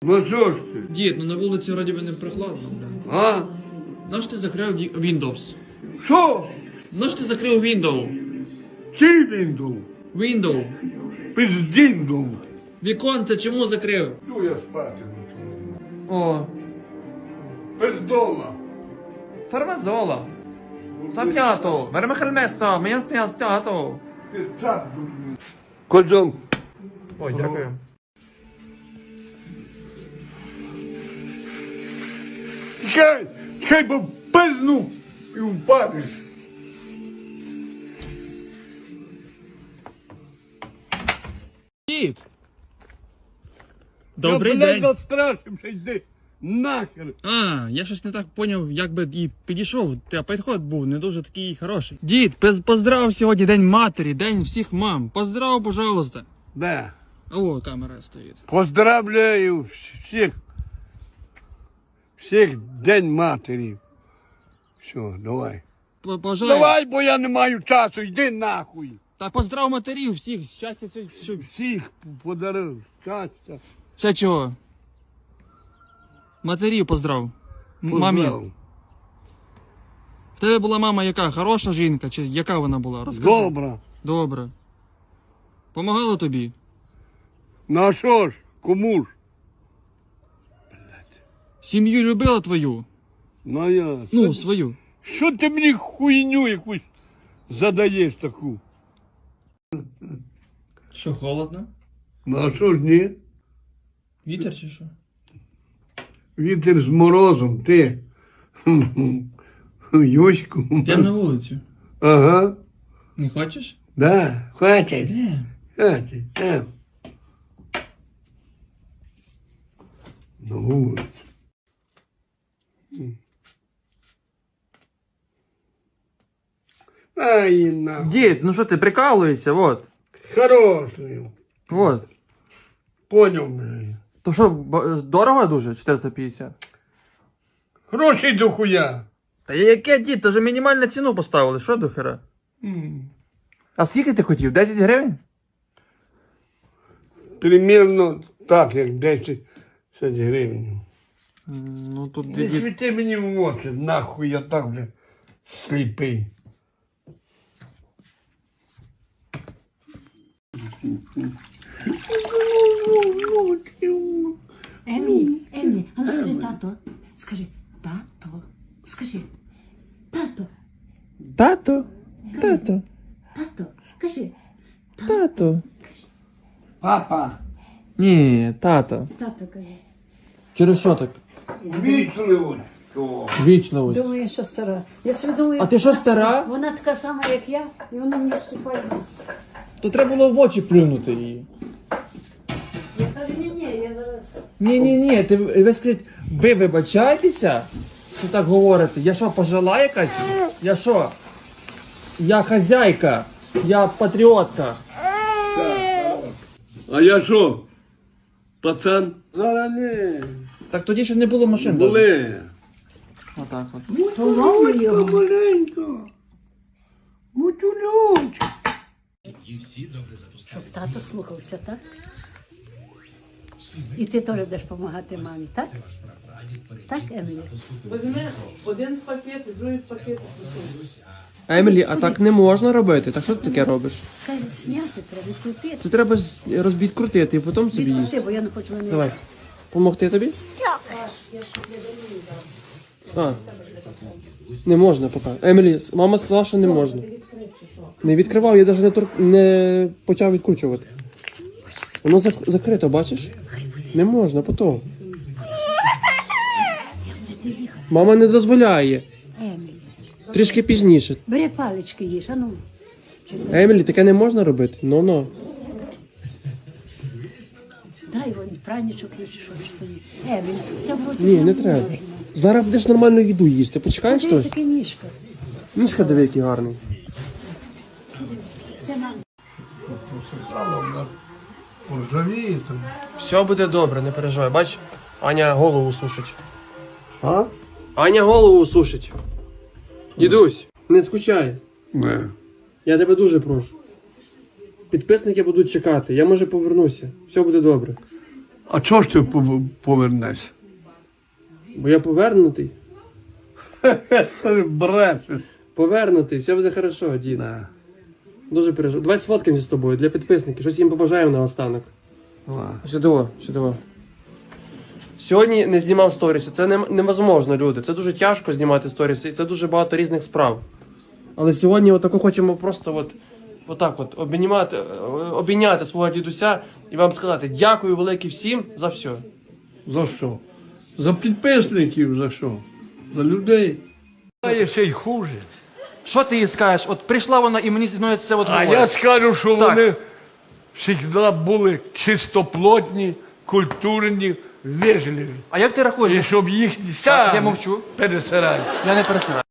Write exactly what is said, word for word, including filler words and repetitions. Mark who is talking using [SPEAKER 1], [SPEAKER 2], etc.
[SPEAKER 1] Ну що ж ти?
[SPEAKER 2] Дід, ну на вулиці вроді би не прохладно, бля.
[SPEAKER 1] А?
[SPEAKER 2] Наш ти закрив ді- Windows?
[SPEAKER 1] Що?
[SPEAKER 2] Наш ти закрив Windows?
[SPEAKER 1] Чий він дув?
[SPEAKER 2] Windows.
[SPEAKER 1] Пиздін дув.
[SPEAKER 2] Віконце чому закрив?
[SPEAKER 1] Ну я спати.
[SPEAKER 2] О,
[SPEAKER 1] Пиздола.
[SPEAKER 2] фармазола. Сап'ято, вермехельместо, м'ясто.
[SPEAKER 1] Пиздак. Козом.
[SPEAKER 2] Ой, дякую.
[SPEAKER 1] Чай, чай бо пизну і впадеш.
[SPEAKER 2] Дід. Добрий
[SPEAKER 1] я,
[SPEAKER 2] день.
[SPEAKER 1] Я застрашився, йди нахер.
[SPEAKER 2] А, я щось не так поняв, як би і підійшов, та підход був не дуже такий хороший. Дід, пиз- поздрав сьогодні День матері, День всіх мам. Поздрав, пожалуйста.
[SPEAKER 1] Да.
[SPEAKER 2] О, камера стоїть.
[SPEAKER 1] Поздравляю всіх. Всіх День матері. Все, давай.
[SPEAKER 2] П- Пожалуй.
[SPEAKER 1] Давай, бо я не маю часу, йди нахуй.
[SPEAKER 2] Та поздрав матерів всіх, щастя, все, все.
[SPEAKER 1] Всіх подарив, щастя.
[SPEAKER 2] Ще чого? Матерів поздрав. М-
[SPEAKER 1] Поздрав.
[SPEAKER 2] Мамі. В тебе була мама яка? Хороша жінка? Чи яка вона була? Розкажи.
[SPEAKER 1] Добре.
[SPEAKER 2] Добре. Помагала тобі?
[SPEAKER 1] Ну а що ж, кому ж?
[SPEAKER 2] Сім'ю любила твою?
[SPEAKER 1] Ну я.
[SPEAKER 2] Ну, свою.
[SPEAKER 1] Що ти мені хуйню якусь задаєш таку?
[SPEAKER 2] Що, холодно?
[SPEAKER 1] Ну а що ж ні?
[SPEAKER 2] Вітер чи що?
[SPEAKER 1] Вітер з морозом, ти. Юську.
[SPEAKER 2] Йдемо на вулицю.
[SPEAKER 1] Ага.
[SPEAKER 2] Не хочеш?
[SPEAKER 1] Да, хватить.
[SPEAKER 2] Де?
[SPEAKER 1] Хватить. Е. На вулицю. Ай, нахуй.
[SPEAKER 2] Дід, ну що ти прикалуєшся, вот.
[SPEAKER 1] Хороший.
[SPEAKER 2] Вот.
[SPEAKER 1] Поняв, блядь.
[SPEAKER 2] То що, б- дорого дуже? чотириста п'ятдесят?
[SPEAKER 1] Гроші до хуя.
[SPEAKER 2] Та яке, дід, то вже мінімальну ціну поставили, що до хера?
[SPEAKER 1] М.
[SPEAKER 2] А скільки ти хотів? десять гривень?
[SPEAKER 1] Примірно так, як десять гривень.
[SPEAKER 2] Ну тут
[SPEAKER 1] Не
[SPEAKER 2] дід...
[SPEAKER 1] світи мені в очі, нахуй я так, бля, сліпий.
[SPEAKER 3] Емі, Емі, а ну скажи тато. Скажи, тато. Скажи, тато,
[SPEAKER 2] Тато, тато,
[SPEAKER 3] тато. Кажи,
[SPEAKER 2] тато.
[SPEAKER 1] Папа,
[SPEAKER 2] Ні, тато.
[SPEAKER 3] тато кажи.
[SPEAKER 2] Через що так?
[SPEAKER 1] вічливо.
[SPEAKER 2] Вічливость.
[SPEAKER 3] Думаю, що стара. Я собі думаю,
[SPEAKER 2] А ти що,
[SPEAKER 3] вона-
[SPEAKER 2] стара?
[SPEAKER 3] Вона така сама, як я, і вона мені вступає в ліс.
[SPEAKER 2] То треба було в очі плюнути її.
[SPEAKER 3] Я кажу, ні, ні, я зараз.
[SPEAKER 2] Ні, ні, ні, ти ви скажіть, ви вибачаєтеся, що так говорите? Я що, пожила якась? Я що? Я хазяйка, я патріотка.
[SPEAKER 1] А я що? Пацан? Зараз не.
[SPEAKER 2] Так тоді ще не було машин. даже.
[SPEAKER 1] Були.
[SPEAKER 2] Отак от.
[SPEAKER 3] Поломаю його.
[SPEAKER 1] Маленько. Мутюльоч.
[SPEAKER 3] Щоб тато слухався, так? І ти теж будеш допомагати мамі, так? Так, Емілі?
[SPEAKER 4] Візьми один пакет і другий пакет.
[SPEAKER 2] Емілі, а так не можна робити. Так що ти таке робиш?
[SPEAKER 3] Це зняти треба, відкрутити.
[SPEAKER 2] Це треба розбідкрутити і потім собі їсти.
[SPEAKER 3] Відкрути, бо я не хочу мене.
[SPEAKER 2] Давай. Помогти тобі? А. Не можна поки. Емілі, мама сказала, що не можна. Не відкривав, я навіть не, тор... не почав відкручувати. Воно зак... закрито, бачиш? Не можна, потім.
[SPEAKER 3] Ти їхай.
[SPEAKER 2] Мама не дозволяє.
[SPEAKER 3] Емілі.
[SPEAKER 2] Трішки пізніше.
[SPEAKER 3] Бери палички їж, а ну. Чи ти-
[SPEAKER 2] Емілі, таке не можна робити. Ну-ну.
[SPEAKER 3] Дай вон пранічок їж, чи що ж тоді. Емілі, це вроді
[SPEAKER 2] Ні, не треба. Зараз будеш нормальну їду їсти. Почекаєш
[SPEAKER 3] Це
[SPEAKER 2] щось?
[SPEAKER 3] таке ніжка.
[SPEAKER 2] Мішка диви, який гарний.
[SPEAKER 3] Це нам.
[SPEAKER 1] Поржавіє там.
[SPEAKER 2] Все буде добре, не переживай. Бач, Аня голову сушить.
[SPEAKER 1] А?
[SPEAKER 2] Аня голову сушить. Дідусь, не скучай.
[SPEAKER 1] Не.
[SPEAKER 2] Я тебе дуже прошу. Підписники будуть чекати. Я може повернуся. Все буде добре.
[SPEAKER 1] А чого ж ти пов- повернешся?
[SPEAKER 2] Бо я повернутий.
[SPEAKER 1] Брешеш.
[SPEAKER 2] Повернутий, все буде хорошо, дід. Дуже переживаю. Давай сфоткаємося з тобою для підписників. Щось їм побажаємо наостанок. Чудово, чудово. Сьогодні не знімав сторіси. Це не, невозможно, люди. Це дуже тяжко знімати сторіси, і це дуже багато різних справ. Але сьогодні отако хочемо просто от, отак от обійняти, обійняти свого дідуся і вам сказати дякую велике всім за все.
[SPEAKER 1] За що? За підписників за що? За людей. А є ще й хуже.
[SPEAKER 5] Що ти їй скажеш? От прийшла вона і мені зі мною це от
[SPEAKER 1] А
[SPEAKER 5] говорить.
[SPEAKER 1] я скажу, що
[SPEAKER 5] Так.
[SPEAKER 1] вони завжди були чистоплотні, культурні, вежливі.
[SPEAKER 5] А як ти рахуєш?
[SPEAKER 1] І щоб їх
[SPEAKER 5] Так, я мовчу.
[SPEAKER 1] пересирати.
[SPEAKER 5] Я не пересираю.